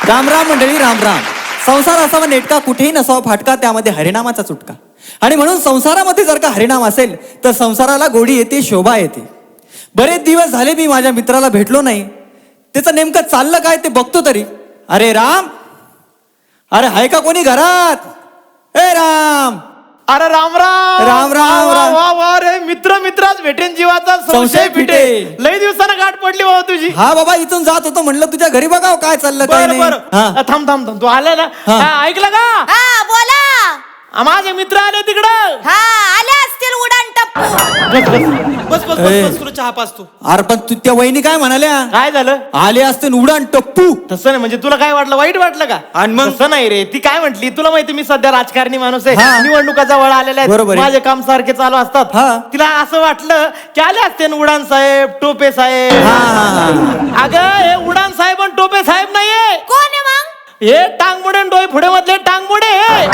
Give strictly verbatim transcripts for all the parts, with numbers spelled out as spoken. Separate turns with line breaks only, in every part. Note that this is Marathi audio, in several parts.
राम राम मंडळी, राम राम. संसार असावा नेटका, कुठेही नसावा फाटका, त्यामध्ये हरिनामाचा चुटका. आणि म्हणून संसारामध्ये जर का हरिनाम असेल तर संसाराला गोडी येते, शोभा येते. बरेच दिवस झाले मी माझ्या मित्राला भेटलो नाही. त्याचं नेमकं चाललं काय ते बघतो तरी. अरे राम, अरे हाय का कोणी घरात? ए राम.
अरे राम राम
राम राम
वा वा वा रे, मित्र मित्राच भेटेन जीवाचा संशय फिटे. लई दिवसानं गाठ पडली बाबा तुझी.
हा बाबा, इथून जात होतो, म्हणलं तुझ्या घरी बघाव काय चाललं काय
बरं
नाही.
बरं
हा.
थांब थांब थांब, तू आला ना?
हा.
हा, ऐकलं का?
हा बोला.
आ, माझे मित्र आले तिकडं.
हा आले असतील उडान टप्पू.
बस बस बस बस
ए.
बस, तुला चहा पाच तू.
अरे पण तू त्या वहिनी काय म्हणाल्या?
काय झालं?
आले असते न उडान टप्पू.
तसं नाही, म्हणजे तुला काय वाटलं, वाईट वाटलं का?
आणि मग?
तसं नाही रे, ती काय म्हटली तुला माहिती, मी सध्या राजकारणी माणूस
हा.
आहे, निवडणुका जवळ आलेल्या
बरोबर
आहेत,
आहे.
माझे काम सारखे चालू असतात.
हा.
तिला असं वाटलं की आले असते न उडान साहेब, टोपे साहेब.
हा, हा, हा.
अगं हे उडान साहेब आणि टोपे साहेब नाहीये,
कोण आहे मग?
हे टांगमुडे आणि डोई पुढे मधले टांगमुडे.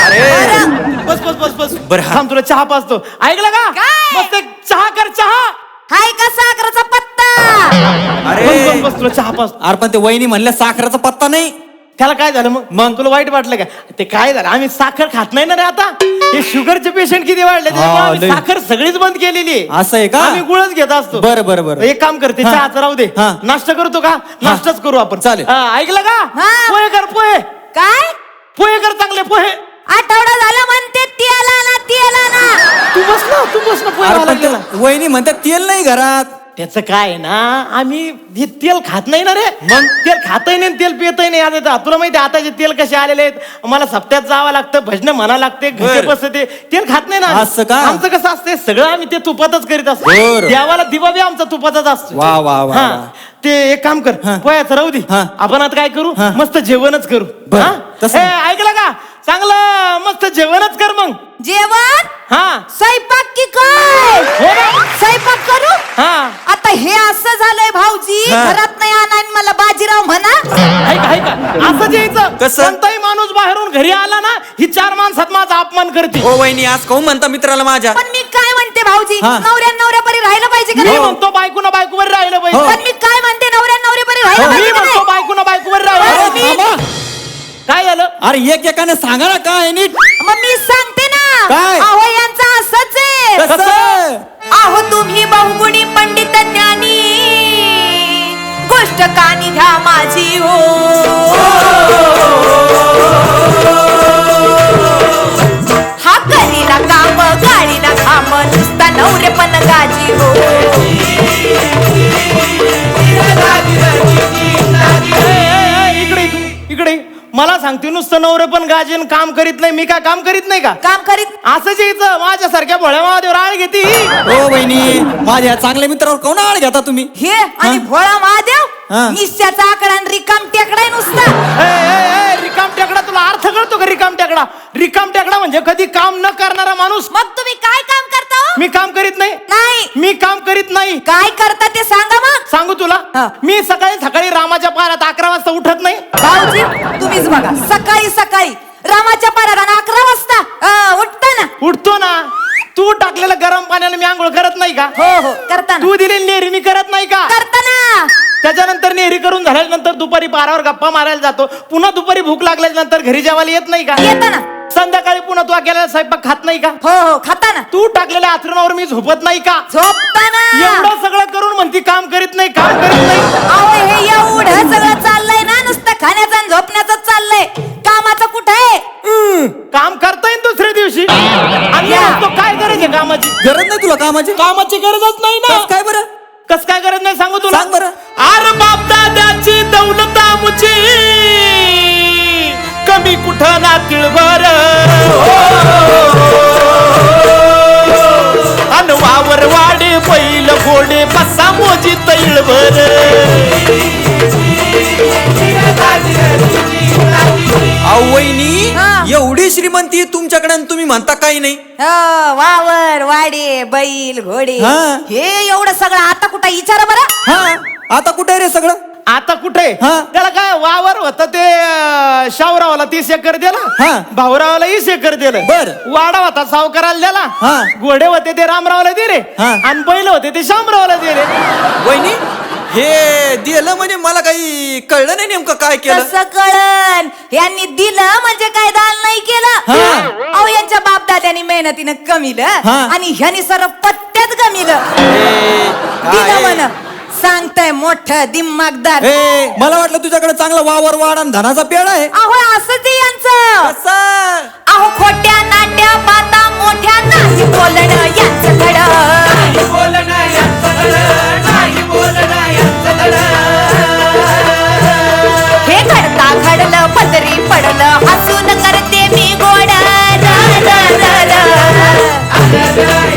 बस बस बस बस
बरं, हा.
थांब, तुला चहा पाचतो. ऐकलं का?
काय?
मस्त एक चहा कर, चहा.
हाय का साखरेचा पत्ता?
अरे
बस बस बस, तुला चहा पाचतो.
अरे पण ते वहिनी म्हणल्या साखरेचा पत्ता नाही.
त्याला काय झालं मग? मग तुला वाईट वाटलं का? ते काय झालं, आम्ही साखर खात नाही ना रे आता. हे शुगरचे पेशंट किती वाढले, त्यामुळे
हा,
आम्ही
लय.
साखर सगळीच बंद केलेली आहे.
असं आहे का?
आम्ही गुळच घेत असतो.
बरं बरं बरं.
एक काम करते,
हा.
चहाचं राहू दे.
हा.
नाश्ता करतो का? नाश्ताच करू आपण.
चालेल.
हा, ऐकलं का?
हा.
पोहे कर, पोहे.
काय
पोहे कर, चांगले पोहे.
आठवडा झाला म्हणते तेल आणा, तेल आणा.
तू बस ना, तू बस ना, पोहे
अरे
घालायला
पण
गेला.
ते वहिनी म्हणतात तेल नाही घरात.
त्याचं काय आहे ना, आम्ही हे तेल खात नाही ना रे. मग तेल खातही नाही, तेल पितही नाही. आता तुला माहिती आहे आताचे तेल कसे आलेले आहेत, मला सप्त्यात जावं लागतं, भजन म्हणा लागते, घसे
बरं.
बसते, तेल खात नाही ना आम्ही.
असं का?
आमचं कसं असते, सगळं आम्ही ते तुपातच करीत असतो.
बरं.
देवाला दिवा बी आमचा तुपातच असतो.
वा वा वा
हा.
वा.
ते एक काम कर,
हा.
पोह्याचं राहू दे.
हा.
आपण आता काय करू,
हा.
मस्त जेवणच करू.
बरं.
हा?
तसं.
ए, ऐकलं का? चांगलं मस्त जेवणच कर मग.
जेवण
हा
स्वयंपाक की काय?
हो ना.
स्वयंपाक करू.
हा.
आता हे असं झालंय भाऊजी,
हा.
घरात नाही आणा आणि मला बाजीराव म्हणा.
ऐका ऐका, असं यायचं.
कसं?
कोणताही माणूस बाहेरून घरी आला ना, ही चार माणसात माझा अपमान करते.
हो वहिनी, आज कहून म्हणता मित्राला माझ्या?
पण मी काय म्हणते भाऊजी,
हा.
नवऱ्या नवऱ्यापरी राहिलं पाहिजे का
मी
नाही?
म्हणतो बायकोना बायकोवर राहिलं पाहिजे.
हो.
पण मी काय म्हणते, नवऱ्या नवऱ्यापरी राहिलं
हो.
मी
पाहिजे का
म्हणतो
नाही?
बायकोना बायकोवर
अरे
राहिलं पाहिजे.
थांबा.
काय झालं?
अरे एक एकाने सांगा ना काय नीट.
मग मी सांगते ना.
काय?
अहो यांचं असंच आहे.
कसं?
अहो तुम्ही बहुगुणी पंडित ज्ञानी, गोष्ट कानी घ्या माझी हो. हा करीना काम, गाडीना घाम, नुसता नवरे पण गाजी हो.
ए, ए, ए, इकडे इकडे मला सांगते, नुसतं नवरे पण गाजीन काम करीत नाही. मी काय काम करीत नाही का?
काम करीत
असंच यायचं. माझ्यासारख्या भोळ्या महादेव राळ घेते.
हो वहिनी, माझ्या चांगल्या मित्रावर कोण आळ घेता तुम्ही?
हे आणि भोळा महादेव,
हा.
निश्च्याचा आकडा आणि रिकाम टेकडाय नुसता.
ए, ए, ए, रिकाम टेकडा, तुला अर्थ कळतो का रिकाम टेकडा? रिकाम टेकडा म्हणजे कधी काम न करणारा माणूस.
मग तुम्ही काय काम करता हो?
मी काम करीत नाही.
नाही.
मी काम करीत नाही.
काय करता ते सांगा मग.
सांगू तुला,
हा.
मी सकाळी सकाळी रामाच्या पारात अकरा वाजता उठत नाही.
भाऊजी तुम्हीच बघा, सकाळी सकाळी रामाच्या पाराला अकरा वाजता अं, उठता ना.
उठतो ना. तू टाकलेलं गरम पाण्याला मी आंघोळ करत नाही का?
हो हो करता ना.
तू दिलेली नेहरी मी करत नाही का?
करता ना.
त्याच्यानंतर नेहरी करून झाल्यानंतर दुपारी बारावर गप्पा मारायला जातो. पुन्हा दुपारी भूक लागल्यानंतर घरी जेवायला येत नाही का?
येता ना.
संध्याकाळी पुन्हा तू केलेला स्वयंपाक खात नाही का?
हो हो खाता ना.
तू टाकलेल्या आथरुणावर मी झोपत नाही का?
झोपता ना.
एवढं सगळं करून म्हणती काम करीत नाही, काम करीत नाही.
अहो हे एवढं सगळं चाललंय ना, नुसतं खाण्याचं आणि झोपण्याचं चाललंय. कामाचं कुठं आहे?
काम करता येईल दुसऱ्या दिवशी. आणि मी म्हणतो काय गरज आहे कामाची?
गरज नाही तुला कामाची?
कामाची गरजच नाही ना.
कसं काय बरं?
कस काय गरज नाही सांगू तुला?
सांग बरं.
आर बाप दादाची दौलत आमची, कमी कुठं ना तिळभर. अन वावर वाडे बैल घोडे बसा मोजी तैळभर.
अहो वहिनी,
हा.
एवढी श्रीमंती तुमच्याकडे आणि तुम्ही म्हणता काही नाही.
हो, वावर वाडे बैल घोडे,
हा.
हे एवढं सगळं आता कुठं विचारा बरं.
हा, आता कुठे आहे रे सगळं?
आता कुठे?
हा.
त्याला काय वावर होत ते अं, शाहूरावाला तीस एकर दिला.
हा.
भाऊरावाला वीस एकर दिलं.
बर.
वाडा होता सावकाराला दिला.
हा.
घोडे होते ते रामरावला दिले.
हा.
आणि बैल होते ते शामरावला दिले.
वहिनी हे दिलं म्हणजे मला काही कळलं नाही नेमकं काय केलं.
कसं कळन? यांनी दिलं म्हणजे काय दान नाही केलं.
हा.
अहो यांच्या बाप दाद्यानी मेहनतीनं कमीलं
हा.
आणि ह्यानी सर्व पत्त्यात कमीलं. दिलं म्हण सांगताय मोठं दिमागदार.
ए, मला वाटलं तुझ्याकडे चांगला वावर वाढ आणि धनाचा पेड आहे.
अहो असंच आहे यांचं.
कसं?
अहो खोट्या नाट्या पाता मोठ्या नाही बोलणं यांचं धड. हे घडता घडलं पदरी पडलं हसून करते मी गोड. र, र, र, र.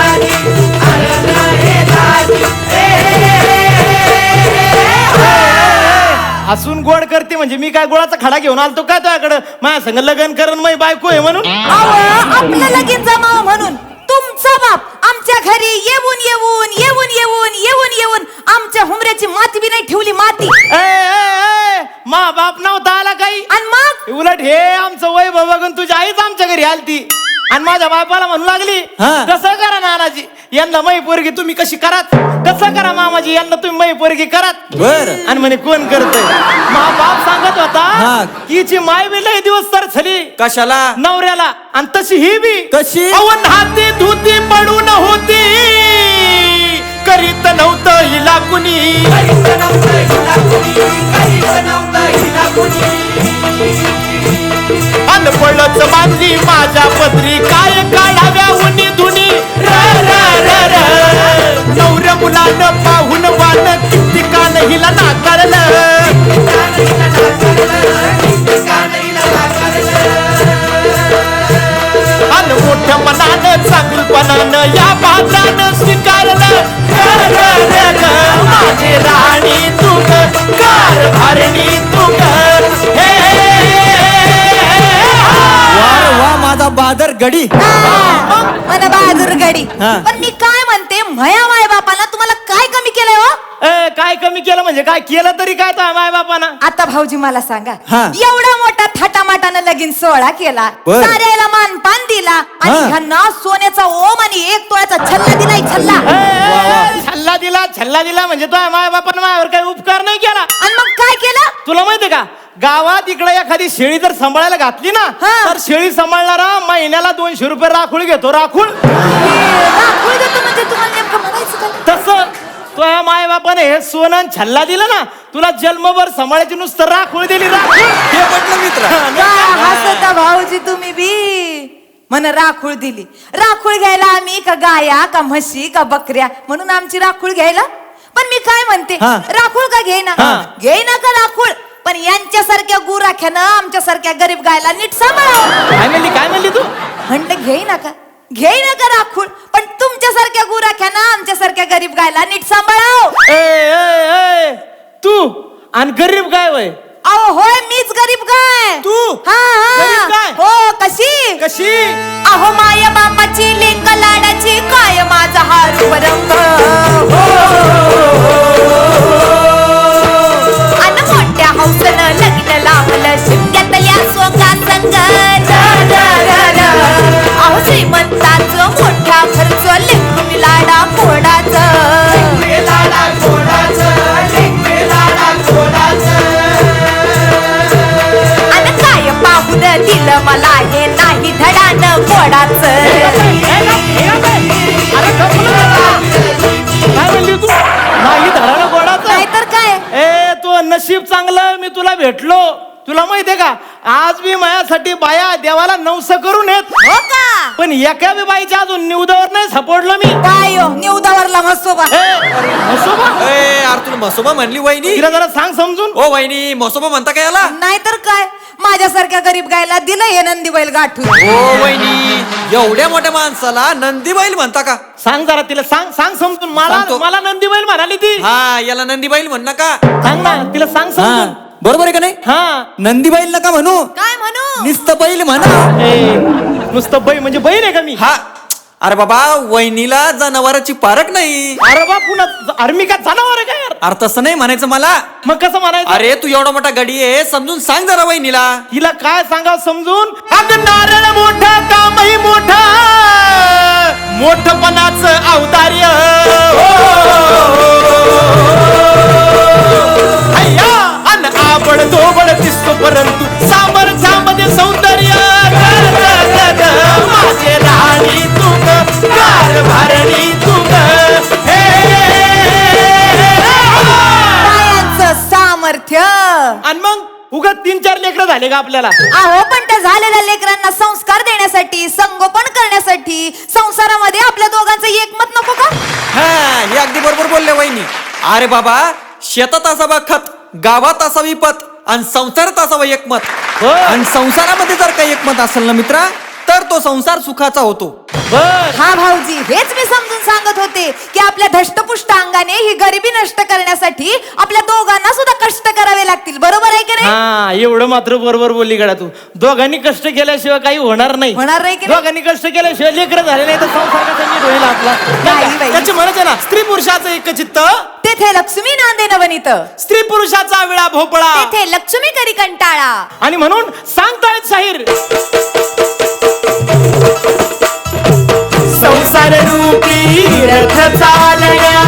हसून गोड करते म्हणजे मी काय गोळाचा खडा घेऊन आलतो काय तुझ्याकडं माझ्या संग लग्न करून माझी बायको आहे म्हणून.
अहो आपलं लगीन जमाव म्हणून तुमचा बाप आमच्या घरी येऊन येऊन येऊन येऊन येऊन येऊन आमच्या हुमऱ्याची माती बी नाही ठेवली माती.
ए, ए, ए, मा बाप नव्हता आला काही.
आणि मग
उलट हे आमचं वय बघून तुझी आईच आमच्या घरी आलती आणि माझ्या बापाला म्हणू लागली
हा.
कसं करा नानाजी यांना मै पोरगी तुम्ही कशी करात, कसं करा मामाजी यांना तुम्ही मै पोरगी करात.
बर.
आणि म्हणे कोण करतय. मा बाप सांगत
हा.
होता कीची माय बी लय दिवस तर झाली
कशाला?
नवऱ्याला आणि तशी ही बी
कशी?
अवन हाती धुती पडून होती करीत नव्हतं हिला कुणी. अनपळच मानली माझ्या पदरी काय काढाव्या उनी धुनी. र, र, र, र. नवऱ्या मुलानं पाहून वान किती कान हिला नाकारलं. अन मोठ्या मनानं चांगलपणानं या पात्रानं स्वीकारलं. र, र, र, र. माझी राणी तू ग कारभारणी तू ग. हे
वा वा माझा बादर गडी.
मला बहादूर गडी.
हा.
पण मी काय म्हणते मया माय बापाला तुम्हाला काय कमी केलंय हो?
ए, काय कमी केलं म्हणजे काय केलं तरी काय तो माय बापानं.
आता भाऊजी मला सांगा
हा.
एवढा मोठा थाटामाटानं लगीन सोहळा केला
बर.
साऱ्याला मानपान दिला आणि
हा.
ह्यांना सोन्याचा ओम आणि एक तोळ्याचा छल्ला दिलाय छल्ला.
ए, ए, छल्ला दिला छल्ला दिला म्हणजे तो माय बापानं माझ्यावर काही उपकार नाही केला.
आणि मग काय केलं?
तुला माहितीये का गावात इकडे एखादी शेळी जर सांभाळायला घातली ना
हा.
तर शेळी सांभाळणारा महिन्याला दोनशे रुपये राखूळ घेतो राखूळ.
राखूळ देतो म्हणजे तुम्हाला नेमकं म्हणायचं काय?
तसं तो या माय बापाने हे सोनं आणि छल्ला दिला ना तुला जन्मभर सांभाळायची नुसतं राखूळ दिली राखूळ.
हे म्हटलं मित्र.
काय हसता भाऊजी तुम्ही बी म्हण राखूळ दिली. राखूळ घ्यायला आम्ही का गाया का म्हशी का बकऱ्या म्हणून आमची राखूळ घ्यायला. पण मी काय म्हणते
हा.
राखूळ का घेईना
हा.
घेईना का राखूळ पण यांच्यासारख्या गुराख्यानं आमच्यासारख्या गरीब गायला नीट सांभाळावं.
काय म्हणली काय म्हणली तू?
म्हणलं घेईना का घेईना का राखूळ पण तुमच्यासारख्या गुराख्यानं आमच्यासारख्या गरीब गायला नीट सांभाळावं.
ए, ए, ए, तू आणि गरीब काय वय
अहो होय मीच गरीब गाय.
तू?
हा
गरीब गाय?
हा हो कशी
कशी?
अहो माया बापाची लेक लाडाची काय माझा हा रूपरंग. अन मोठ्या हौसनं लग्न लावलं शिमग्यातल्या सोंगा संग. र, र, र, र. अहो श्रीमंताचं मोठ्या खर्च लेकरू लाडा कोडाचं. अन काय पाहून दिलं मला हे नाही धडानं कोडाचं.
अरे काय म्हणली तू? नाही धडानं गोडाचं.
नाहीतर काय
ए तो नशीब चांगलं मी तुला भेटलो. तुला माहितीये का आज मी माझ्यासाठी बाया देवाला नवस करून येत
हो का?
पण एका बी बाईच्या अजून निवदावर नाही सापडलो मी.
काय हो निवदावरला मसोबा.
ए, म्हसोबा?
ए, यार तुला म्हसोबा म्हणली वहिनी.
तिला जरा सांग समजून.
ओ वहिनी म्हसोबा म्हणता का याला?
नाहीतर काय माझ्यासारख्या गरीब गायला दिलं हे नंदी बैल गाठून.
ओ वहिनी एवढ्या मोठ्या माणसाला नंदी बैल म्हणता का?
सांग जरा तिला सांग सांग समजून. मला
सांगतो.
मला नंदी बैल म्हणाली ती.
हा याला नंदी बैल म्हण नका.
सांग ना तिला सांग
हा
समजून.
बरोबर आहे का नाही?
हा
नंदी बैल नका म्हणू
काय म्हणू?
निस्त बैल म्हणा.
ए, नुसतं बै म्हणजे बैल आहे का मी?
हा अरे बाबा वहिनीला जनावराची पारख नाही.
अरे बा पुन्हा आर्मी का जनावर आहे का यार?
अरे तसं नाही म्हणायचं मला.
मग कसं म्हणायचं?
अरे तू एवढा मोठा गडी आहे समजून सांग जरा वहिनीला.
तिला काय सांगाव समजून? अगं नारळ मोठा कामही मोठा मोठपणाचं औदार्य. ढोबळ दिसतो परंतु सामर्थ्यामध्ये सौंदर्य ग, ग, ग, ग. माझे राणी तू ग, कारभारणी तू ग. हे,
बायांचं सामर्थ्य.
आणि मग उगा तीन चार लेकरं झाले का आपल्याला?
अहो पण त्या झालेल्या लेकरांना संस्कार देण्यासाठी, संगोपन करण्यासाठी संसारामध्ये आपल्या दोघांचं एकमत नको का?
हा हे अगदी बरोबर बोलले वहिनी. अरे बाबा, शेतात असावा खत, गावात असावी पत, आणि संसारात असावं एकमत.
हो.
आणि संसारामध्ये जर काही एकमत असेल ना मित्रा, तर तो संसार सुखाचा होतो.
बस.
हा भाऊजी, हेच मी समजून सांगत होते की आपल्या धष्टपुष्ट अंगाने ही गरिबी नष्ट करण्यासाठी आपल्या दोघांना सुद्धा कष्ट करावे लागतील. बरोबर आहे की नाही?
हा, एवढं मात्र बरोबर बोलली गड्या तू. दोघांनी कष्ट केल्याशिवाय काही होणार नाही.
होणार नाही की नाही?
दोघांनी कष्ट केल्याशिवाय लेकरं झाले नाही तर संसार कसा नीट होईल आपला?
नाही बाई.
त्याची म्हणायचं ना, स्त्री पुरुषाचं एक चित्त,
तेथे लक्ष्मी नांदे नवनीत,
स्त्री पुरुषाचा विळा भोपळा.
तेथे लक्ष्मी करी कंटाळा.
आणि म्हणून सांगतायत शाहीर, संसार रूपी रथ चालया